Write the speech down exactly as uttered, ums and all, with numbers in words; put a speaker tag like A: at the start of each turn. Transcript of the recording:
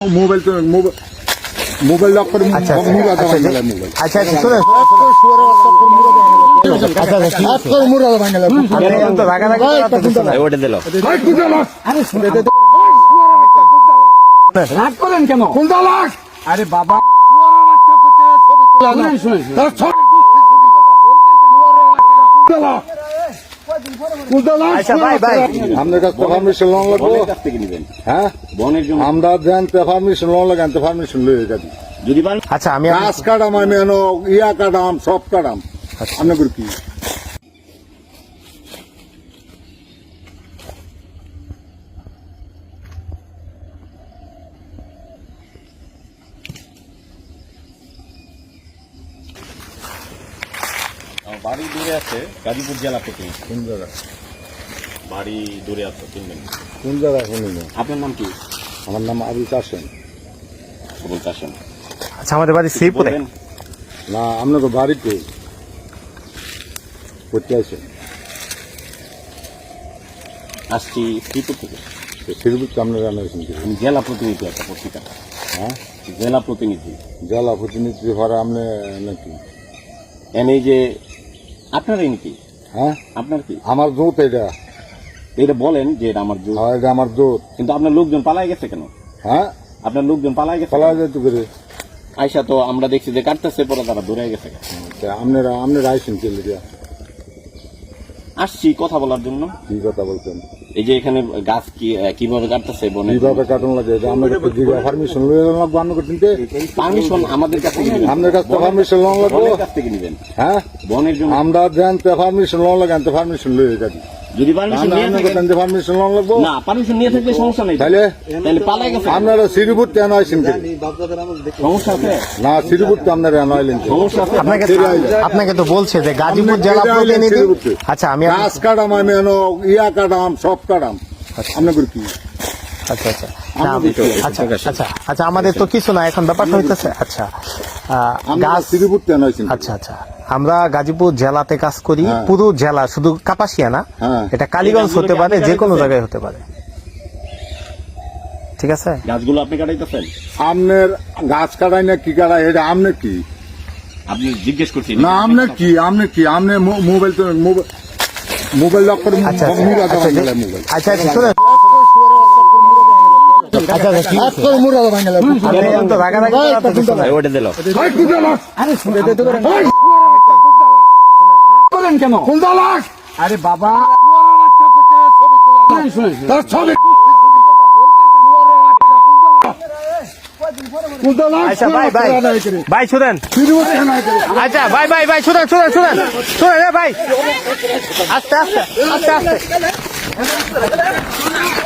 A: Mobile তো mobile lock করে
B: আচ্ছা
A: মুরা দাও
B: আচ্ছা
A: মোবাইল
B: আচ্ছা শুনে আচ্ছা আচ্ছা
A: হাত করে মুরা দাও বাংলা
B: আমি তো রাগা রাগা করতেছি না
C: ওটা দিল
A: ভাই কুদা লাখ
B: আরে শুনে
A: রাগ করেন কেন কুদা লাখ আরে বাবা সুয়ারের বাচ্চা করতে ছবি তোলা না শুনে তার ছবি কুদা লাখ কুদা লাখ
B: আচ্ছা ভাই ভাই
A: আমাদের কাছে পারমিশন লোন লাগবে
C: কাছ থেকে নেবেন
A: হ্যাঁ
C: বনের জন্য
A: আমরা জানতে পারমিশন লোন লাগাতে পারমিশন লয়ে যাবি
C: যদি পারেন
B: আচ্ছা আমি
A: গাছ কাটাম আমি এনো ইয়া কাটাম সব কাটাম আপনি করে কি
C: বাড়ি দূরে আছে গাজীপুর জেলা থেকে
A: কোন জায়গা
C: বাড়ি দূরে আছে চিনবেন
A: কোন জায়গা শুনুন
C: আপনার নাম কি?
A: আমার নাম আবুল কাসেম
C: আবুল কাসেম।
B: আচ্ছা আমাদের বাড়ি শ্রীপুরে
C: বলবেন?
A: না আপনাকে বাড়িতে করতে আছে
C: আসছি শ্রীপুর থেকে।
A: শ্রীপুর আপনারা জানাইছেন কি
C: আমি জেলা প্রতিনিধি একটা পত্রিকা।
A: হ্যাঁ
C: জেলা প্রতিনিধি
A: জেলা প্রতিনিধি হওয়ার আপনি নাকি
C: এনে যে আপনারই নাকি
A: হ্যাঁ
C: আপনার কি
A: আমার জোত এটা
C: এটা বলেন যে এটা আমার জোর,
A: হ্যাঁ এটা আমার জোত
C: কিন্তু আপনার লোকজন পালাই গেছে কেন?
A: হ্যাঁ
C: আপনার লোকজন পালাই গেছে
A: ফলা
C: কেন?
A: যেতে করে
C: আয়সা তো আমরা দেখছি যে কাটতেছে পরে তারা দূরে গেছে কেন?
A: তা আপনারা আপনারা আইসেন কে লিখা
C: আসছি কথা বলার জন্য।
A: কি কথা বলছেন
C: এই যে এখানে গাছ কি কিভাবে কাটতেছে বনে
A: কিভাবে কাটন লাগে এটা আমরা পারমিশন লয়ে লাগবে আপনার করতে
C: পারমিশন আমাদের কাছ থেকে নেবেন।
A: আপনার কাছে পারমিশন লোন লাগবে
C: বনের কাছ থেকে নেবেন
A: হ্যাঁ
C: বনের জন্য।
A: আমরা জানতে পারমিশন লোন লাগাতে পারমিশন লয়ে যাবি
C: যদি পারমিশন নিয়ে
A: আপনার
C: থাকেন
A: কাছে পারমিশন লোন লাগবে
C: না পারমিশন নিয়ে থাকলে সমস্যা নেই
A: তাহলে
C: তাহলে পালাই গেছে কেন?
A: আপনারা শ্রীপুর কেন আইসেন কে
C: সমস্যা আছে
A: না শ্রীপুর তো আপনারা কেন আইলেন কে?
C: সমস্যা আছে
B: আপনাকে
A: ফিরে আইলেন।
B: আপনাকে তো বলছে যে গাজীপুর
A: আপনি
B: জেলা
A: ফিরে আইলেন
B: প্রতিনিধি
A: শ্রীপুরতে।
B: আচ্ছা আমি
A: গাছ কাটাম আমি এনো ইয়া কাটাম সব কাটাম আপনার করে কি
B: আচ্ছা আচ্ছা না,
C: আমাদের তো-
B: আচ্ছা আচ্ছা আচ্ছা আমাদের তো কিছু না এখন ব্যাপারটা হইতেছে আচ্ছা আহ,
A: আপনারা
B: গাছ
A: শ্রীপুর কেন আইসেন
B: আচ্ছা আচ্ছা আমরা গাজীপুর জেলাতে কাজ করি
A: হ্যাঁ।
B: পুরো জেলা শুধু কাপাসিয়া না
A: হ্যাঁ।
B: এটা কালীগঞ্জ হতে পারে যে কোনো জায়গায় হতে পারে ঠিক আছে
C: গাছগুলো আপনি কাটাইতেছেন?
A: আপনার গাছ কাটাই না কি কাটাই এটা আমনে কি
C: আপনি জিজ্ঞেস করছি
A: না আমনে কি আমনে কি আমনে মো- মোবাইল তো মোবাইল মোবাইল লক করে
B: আচ্ছা আচ্ছা
A: মুরা দাও
B: আচ্ছা,
A: বাংলা মোবাইল
B: আচ্ছা আচ্ছা শুনে আচ্ছা আচ্ছা ঠিক
A: হাত
B: আছে।
A: করে মুরা দাও বাংলা
B: আমি তো রাগা রাগা করতেছি না।
C: ওটা দিল
A: ভাই কুদা লাখ
B: আরে শুনে
A: ভাই করেন কেন কুদা লাখ আরে বাবা সুয়ারের বাচ্চা করতে ছবি তোলা না শুনে তার ছবি কুদা লাখ
B: আচ্ছা ভাই ভাই ভাই শুনেন
A: শ্রীপুর কেন আইসেন
B: আচ্ছা ভাই ভাই ভাই শুনেন শুনেন শুনেন শুনেন এ ভাই আস্তে আস্তে আস্তে আস্তে